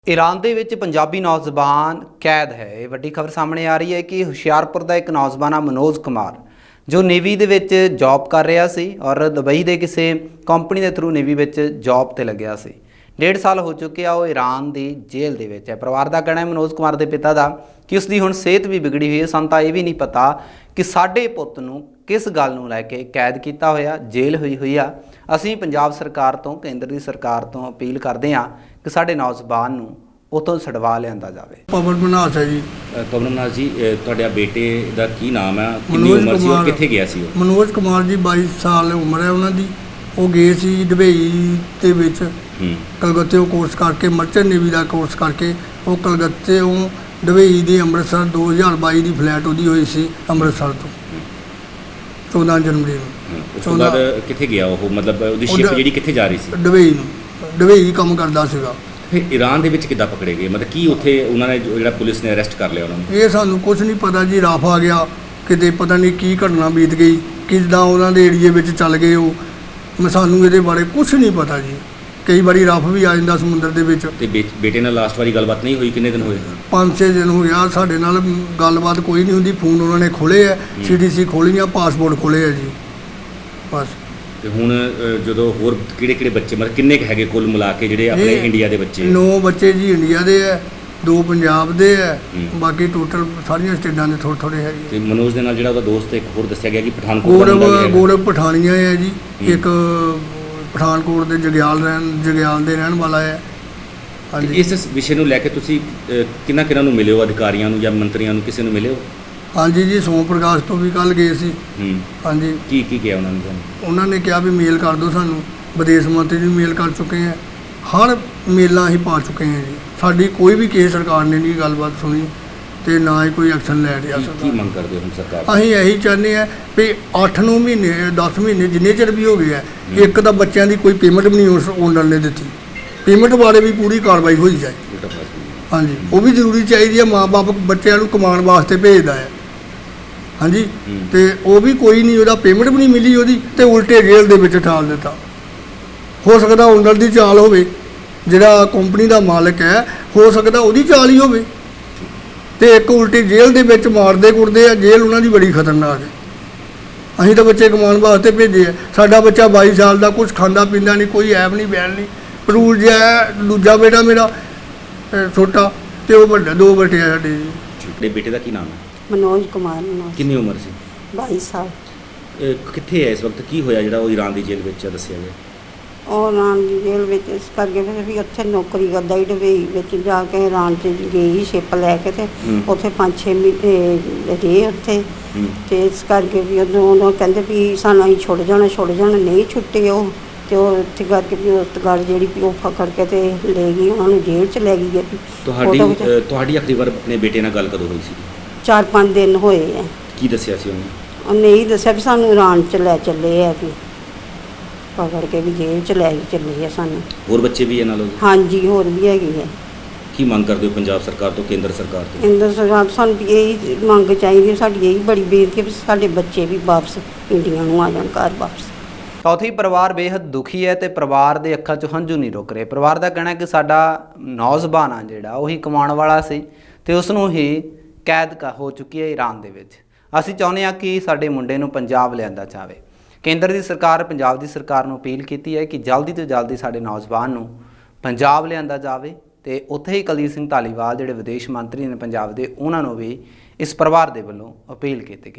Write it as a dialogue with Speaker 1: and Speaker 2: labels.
Speaker 1: Iran ਦੇ ਵਿੱਚ ਪੰਜਾਬੀ ਨੌਜਵਾਨ ਕੈਦ ਹੈ। ਇਹ ਵੱਡੀ ਖਬਰ ਸਾਹਮਣੇ ਆ ਰਹੀ ਹੈ ਕਿ ਹੁਸ਼ਿਆਰਪੁਰ ਦਾ ਇੱਕ ਨੌਜਵਾਨ ਮਨੋਜ ਕੁਮਾਰ ਜੋ ਨੇਵੀ ਦੇ ਵਿੱਚ ਜੌਬ ਕਰ ਰਿਹਾ ਸੀ ਔਰ ਦੁਬਈ ਦੇ ਕਿਸੇ ਕੰਪਨੀ ਦੇ ਥਰੂ ਨੇਵੀ ਵਿੱਚ ਜੌਬ ਤੇ ਲੱਗਿਆ ਸੀ। 1.5 ਸਾਲ ਹੋ ਚੁੱਕੇ ਆ ਉਹ ईरान ਦੀ ਜੇਲ੍ਹ ਦੇ ਵਿੱਚ ਹੈ। ਪਰਿਵਾਰ ਦਾ ਕਹਿਣਾ ਹੈ ਮਨੋਜ ਕੁਮਾਰ ਦੇ ਪਿਤਾ ਦਾ ਕਿ ਉਸ ਦੀ ਹੁਣ ਸਿਹਤ ਵੀ ਵਿਗੜੀ ਹੋਈ ਹੈ। ਸਾਨੂੰ ਤਾਂ ਇਹ ਵੀ ਨਹੀਂ ਪਤਾ ਕਿ ਸਾਡੇ ਪੁੱਤ ਨੂੰ किस गल नूं लैके कैद किया होया जेल हुई हुई आ। असीं पंजाब सरकार तो केंद्र की सरकार तो अपील करते हैं कि साडे नौजवान नूं उतों छड़वा लिआंदा जावे।
Speaker 2: पवन मनास है जी।
Speaker 3: पवन मनास जी तुहाडे बेटे दा की नाम है, कितनी उम्र सी और कित्थे गया सी?
Speaker 2: मनोज कुमार जी 22 साल उम्र है उन्हां दी। वो गए सी दुबई दे विच कलकत्ते कोर्स करके मर्चेंट नेवी का कोर्स करके वो कलकत्ते दुबई दे अमृतसर 2022 की फ्लाइट उहदी होई सी अमृतसर तो 14 जनवरी ਨੂੰ।
Speaker 3: ਉਸ ਤੋਂ ਬਾਅਦ ਕਿੱਥੇ ਗਿਆ ਉਹ, ਮਤਲਬ ਉਹਦੀ ਸ਼ਿਪ ਜਿਹੜੀ ਕਿੱਥੇ ਜਾ ਰਹੀ ਸੀ?
Speaker 2: ਦੁਬਈ ਕੰਮ ਕਰਦਾ ਸੀਗਾ।
Speaker 3: ਫਿਰ ਈਰਾਨ ਦੇ ਵਿੱਚ ਕਿੱਦਾਂ ਪਕੜੇ ਗਏ, ਮਤਲਬ ਕੀ ਉੱਥੇ ਉਹਨਾਂ ਨੇ ਜਿਹੜਾ ਪੁਲਿਸ ਨੇ ਅਰੈਸਟ ਕਰ ਲਿਆ ਉਹਨਾਂ ਨੂੰ?
Speaker 2: ਇਹ ਸਾਨੂੰ ਕੁਝ ਨਹੀਂ ਪਤਾ ਜੀ। ਰਫ ਆ ਗਿਆ ਕਿਤੇ, ਪਤਾ ਨਹੀਂ ਕੀ ਘਟਨਾ ਬੀਤ ਗਈ, ਕਿੱਦਾਂ ਉਹਨਾਂ ਦੇ ਏਰੀਏ ਵਿੱਚ ਚੱਲ ਗਏ ਉਹ। ਸਾਨੂੰ ਇਹਦੇ ਬਾਰੇ ਕੁਝ ਨਹੀਂ ਪਤਾ ਜੀ। ਕਈ ਵਾਰੀ ਰਫ ਵੀ ਆ ਜਾਂਦਾ ਸਮੁੰਦਰ ਦੇ ਵਿੱਚ।
Speaker 3: ਤੇ ਬੇਟੇ ਨਾਲ ਲਾਸਟ ਵਾਰੀ ਗੱਲਬਾਤ ਨਹੀਂ ਹੋਈ? ਕਿੰਨੇ ਦਿਨ ਹੋਏ?
Speaker 2: 5-6 ਦਿਨ ਹੋ ਗਿਆ ਸਾਡੇ ਨਾਲ ਗੱਲਬਾਤ ਕੋਈ ਨਹੀਂ ਹੁੰਦੀ। ਫੋਨ ਉਹਨਾਂ ਨੇ ਖੋਲ੍ਹੇ ਆ, CDC ਖੋਲ੍ਹੀਆਂ, ਪਾਸਪੋਰਟ ਖੋਲ੍ਹੇ ਆ ਜੀ ਬਸ।
Speaker 3: ਤੇ ਹੁਣ ਜਦੋਂ ਹੋਰ ਕਿਹੜੇ ਬੱਚੇ, ਮਤਲਬ ਕਿੰਨੇ ਕੁ ਹੈਗੇ ਕੁੱਲ ਮਿਲਾ ਕੇ ਜਿਹੜੇ ਆਪਣੇ ਇੰਡੀਆ ਦੇ ਬੱਚੇ?
Speaker 2: 9 ਬੱਚੇ ਜੀ ਇੰਡੀਆ ਦੇ ਆ, 2 ਪੰਜਾਬ ਦੇ ਆ, ਬਾਕੀ ਟੋਟਲ ਸਾਰੀਆਂ ਸਟੇਟਾਂ ਦੇ ਥੋੜ੍ਹੇ ਹੈਗੇ।
Speaker 3: ਤੇ ਮਨੋਜ ਦੇ ਨਾਲ ਜਿਹੜਾ ਉਹਦਾ ਦੋਸਤ ਇੱਕ ਹੋਰ ਦੱਸਿਆ ਗਿਆ ਕਿ ਪਠਾਨਕੋਟ ਦਾ
Speaker 2: ਗੌਰਵ ਪਠਾਨੀਆ ਹੈ ਜੀ। ਇੱਕ ਪਠਾਨਕੋਟ ਦੇ ਜਗਿਆਲ ਦੇ ਰਹਿਣ ਵਾਲਾ ਹੈ।
Speaker 3: ਹਾਂਜੀ। ਇਸ ਵਿਸ਼ੇ ਨੂੰ ਲੈ ਕੇ ਤੁਸੀਂ ਕਿਹਨਾਂ ਨੂੰ ਮਿਲੇ ਹੋ, ਅਧਿਕਾਰੀਆਂ ਨੂੰ ਜਾਂ ਮੰਤਰੀਆਂ ਨੂੰ, ਕਿਸੇ ਨੂੰ ਮਿਲੇ ਹੋ?
Speaker 2: ਹਾਂਜੀ ਜੀ, ਸੋਮ ਪ੍ਰਕਾਸ਼ ਤੋਂ ਵੀ ਕੱਲ੍ਹ ਗਏ ਸੀ। ਹਾਂਜੀ।
Speaker 3: ਕੀ ਕਿਹਾ ਉਹਨਾਂ ਨੇ?
Speaker 2: ਉਹਨਾਂ ਨੇ ਕਿਹਾ ਵੀ ਮੇਲ ਕਰ ਦਿਓ ਸਾਨੂੰ। ਵਿਦੇਸ਼ ਮੰਤਰੀ ਨੂੰ ਮੇਲ ਕਰ ਚੁੱਕੇ ਹਾਂ, ਹਰ ਮੇਲਾਂ ਅਸੀਂ ਪਾ ਚੁੱਕੇ ਹਾਂ ਜੀ। ਸਾਡੀ ਕੋਈ ਵੀ ਕਿਸੇ ਸਰਕਾਰ ਨੇ ਨਹੀਂ ਗੱਲਬਾਤ ਸੁਣੀ ਤੇ ਨਾ ਹੀ ਕੋਈ ਐਕਸ਼ਨ ਲੈ ਰਿਹਾ।
Speaker 3: ਕੀ ਮੰਗ ਕਰਦੇ ਹੋ ਹੁਣ ਸਰਕਾਰ?
Speaker 2: ਅਸੀਂ ਇਹੀ ਚਾਹੁੰਦੇ ਹਾਂ ਵੀ 8-9 ਮਹੀਨੇ 10 ਮਹੀਨੇ ਜਿੰਨੇ ਚਿਰ ਵੀ ਹੋ ਗਏ ਆ, ਇੱਕ ਤਾਂ ਬੱਚਿਆਂ ਦੀ ਕੋਈ ਪੇਮੈਂਟ ਵੀ ਨਹੀਂ ਉਸ ਓਨਰ ਨੇ ਦਿੱਤੀ। ਪੇਮੈਂਟ ਬਾਰੇ ਵੀ ਪੂਰੀ ਕਾਰਵਾਈ ਹੋਈ ਜਾਏ। ਹਾਂਜੀ, ਉਹ ਵੀ ਜ਼ਰੂਰੀ ਚਾਹੀਦੀ ਹੈ। ਮਾਂ-ਬਾਪ ਬੱਚਿਆਂ ਨੂੰ ਕਮਾਉਣ ਵਾਸਤੇ ਭੇਜਦਾ ਹੈ। ਹਾਂਜੀ, ਤੇ ਉਹ ਵੀ ਕੋਈ ਨਹੀਂ, ਉਹਦਾ ਪੇਮੈਂਟ ਵੀ ਨਹੀਂ ਮਿਲੀ ਉਹਦੀ, ਤੇ ਉਲਟੇ ਜੇਲ੍ਹ ਦੇ ਵਿੱਚ ਠਾਲ ਦਿੱਤਾ। ਹੋ ਸਕਦਾ ਓਨਰ ਦੀ ਚਾਲ ਹੋਵੇ, ਜਿਹੜਾ ਕੰਪਨੀ ਦਾ ਮਾਲਕ ਹੈ, ਹੋ ਸਕਦਾ ਉਹਦੀ ਚਾਲ ਹੀ ਹੋਵੇ। ਤੇ ਇੱਕ ਉਲਟੀ ਜੇਲ੍ਹ ਦੇ ਵਿੱਚ ਮਾਰਦੇ ਕੁੱਟਦੇ ਆ। ਜੇਲ੍ਹ ਉਹਨਾਂ ਦੀ ਬੜੀ ਖਤਰਨਾਕ ਹੈ। ਅਸੀਂ ਤਾਂ ਬੱਚੇ ਕਮਾਉਣ ਵਾਸਤੇ ਭੇਜੇ ਆ। ਸਾਡਾ ਬੱਚਾ 22 ਸਾਲ ਦਾ, ਕੁਝ ਖਾਂਦਾ ਪੀਂਦਾ ਨਹੀਂ, ਕੋਈ ਐਬ ਨਹੀਂ ਬੈਣ ਨਹੀਂ, ਪਰੂਲ ਜਿਹਾ। ਦੂਜਾ ਬੇਟਾ ਮੇਰਾ ਛੋਟਾ, ਤੇ ਉਹ ਵੱਡਾ, 2 ਬੇਟੇ ਆ ਸਾਡੇ ਜੀ।
Speaker 3: ਤੁਹਾਡੇ ਬੇਟੇ ਦਾ ਕੀ ਨਾਮ ਹੈ?
Speaker 4: ਮਨੋਜ ਕੁਮਾਰ।
Speaker 3: ਕਿੰਨੀ ਉਮਰ ਸੀ?
Speaker 4: 22 ਸਾਲ।
Speaker 3: ਕਿੱਥੇ ਹੈ ਇਸ ਵਕਤ? ਕੀ ਹੋਇਆ ਜਿਹੜਾ ਉਹ ਈਰਾਨ ਦੀ ਜੇਲ੍ਹ ਵਿੱਚ ਦੱਸਿਆ ਗਿਆ?
Speaker 4: ਉਹ ਈਰਾਨ ਦੀ ਜੇਲ੍ਹ ਵਿੱਚ ਇਸ ਕਰਕੇ ਫਿਰ ਵੀ ਉੱਥੇ ਨੌਕਰੀ ਕਰਦਾ ਹੀ ਦੁਬਈ ਵਿੱਚ ਜਾ ਕੇ ਈਰਾਨ 'ਚ ਗਈ ਸ਼ਿਪ ਲੈ ਕੇ, ਤੇ ਉੱਥੇ 5-6 ਮਹੀਨੇ ਰਹੇ ਉੱਥੇ। ਤੇ ਇਸ ਕਰਕੇ ਵੀ ਉਦੋਂ ਕਹਿੰਦੇ ਵੀ ਸਾਨੂੰ ਅਸੀਂ ਛੁੱਟ ਜਾਣਾ ਨਹੀਂ ਛੁੱਟੇ ਉਹ। ਤੇ ਉਹ ਉੱਥੇ ਕਰਕੇ ਵੀ ਉਸ ਗੱਲ ਜਿਹੜੀ ਵੀ ਉਹ ਫਕੜ ਕੇ ਤੇ ਲੈ ਗਈ, ਉਹਨਾਂ ਨੂੰ ਜੇਲ੍ਹ 'ਚ ਲੈ ਗਈ ਹੈ।
Speaker 3: ਤੁਹਾਡੀ ਆਖਰੀ ਵਾਰ ਆਪਣੇ ਬੇਟੇ ਨਾਲ ਗੱਲ ਕਦੋਂ ਹੋਈ ਸੀ?
Speaker 4: 4-5 ਦਿਨ ਹੋਏ ਆ।
Speaker 3: ਕੀ ਦੱਸਿਆ ਸੀ ਉਹਨੇ?
Speaker 4: ਉਹਨੇ ਇਹੀ ਦੱਸਿਆ ਵੀ ਸਾਨੂੰ ਈਰਾਨ 'ਚ ਲੈ ਚੱਲੇ ਆ, ਵੀ ਪਕੜ ਕੇ ਵੀ ਜੇਲ੍ਹ 'ਚ ਲੈ ਚੱਲੇ ਆ ਸਾਨੂੰ।
Speaker 3: ਹੋਰ ਬੱਚੇ ਵੀ ਇਹਨਾਂ ਨਾਲ?
Speaker 4: ਹਾਂਜੀ, ਹੋਰ ਵੀ ਹੈਗੀ ਹੈ।
Speaker 3: ਕੀ ਮੰਗ ਕਰਦੇ ਹੋ ਪੰਜਾਬ ਸਰਕਾਰ ਤੋਂ, ਕੇਂਦਰ ਸਰਕਾਰ ਤੋਂ?
Speaker 4: ਕੇਂਦਰ ਸਰਕਾਰ ਤੋਂ ਸਾਨੂੰ ਇਹੀ ਮੰਗ ਚਾਹੀਦੀ, ਸਾਡੀ ਇਹੀ ਬੜੀ ਬੇਨਤੀ ਹੈ ਵੀ ਸਾਡੇ ਬੱਚੇ ਵੀ ਵਾਪਸ ਇੰਡੀਆ ਨੂੰ ਆ ਜਾਣ, ਘਰ ਵਾਪਸ।
Speaker 1: ਚੌਥੀ ਪਰਿਵਾਰ ਬੇहद ਦੁਖੀ ਹੈ ਤੇ ਪਰਿਵਾਰ ਦੇ ਅੱਖਾਂ 'ਚੋਂ ਹੰਝੂ ਨਹੀਂ ਰੁਕ ਰਹੇ। ਪਰਿਵਾਰ ਦਾ ਕਹਿਣਾ ਕਿ ਸਾਡਾ ਨੌਜਵਾਨ ਆ ਜਿਹੜਾ ਉਹੀ ਕਮਾਉਣ ਵਾਲਾ ਸੀ ਤੇ ਉਸ ਨੂੰ ਹੀ ਕੈਦ ਹੋ ਚੁੱਕੀ ਹੈ ਈਰਾਨ ਦੇ ਵਿੱਚ। ਅਸੀਂ ਚਾਹੁੰਦੇ ਹਾਂ ਕਿ ਸਾਡੇ ਮੁੰਡੇ ਨੂੰ ਪੰਜਾਬ ਲਿਆਂਦਾ ਜਾਵੇ। ਕੇਂਦਰ ਦੀ ਸਰਕਾਰ ਪੰਜਾਬ ਦੀ ਸਰਕਾਰ ਨੂੰ ਅਪੀਲ ਕੀਤੀ ਹੈ ਕਿ ਜਲਦੀ ਤੋਂ ਜਲਦੀ ਸਾਡੇ ਨੌਜਵਾਨ ਨੂੰ ਪੰਜਾਬ ਲਿਆਂਦਾ ਜਾਵੇ। ਤੇ ਉੱਥੇ ਹੀ ਕੁਲਦੀਪ ਸਿੰਘ ਧਾਲੀਵਾਲ ਜਿਹੜੇ ਵਿਦੇਸ਼ ਮੰਤਰੀ ਨੇ ਪੰਜਾਬ ਦੇ, ਉਹਨਾਂ ਨੂੰ ਵੀ ਇਸ ਪਰਿਵਾਰ ਦੇ ਵੱਲੋਂ ਅਪੀਲ ਕੀਤੀ ਗਈ।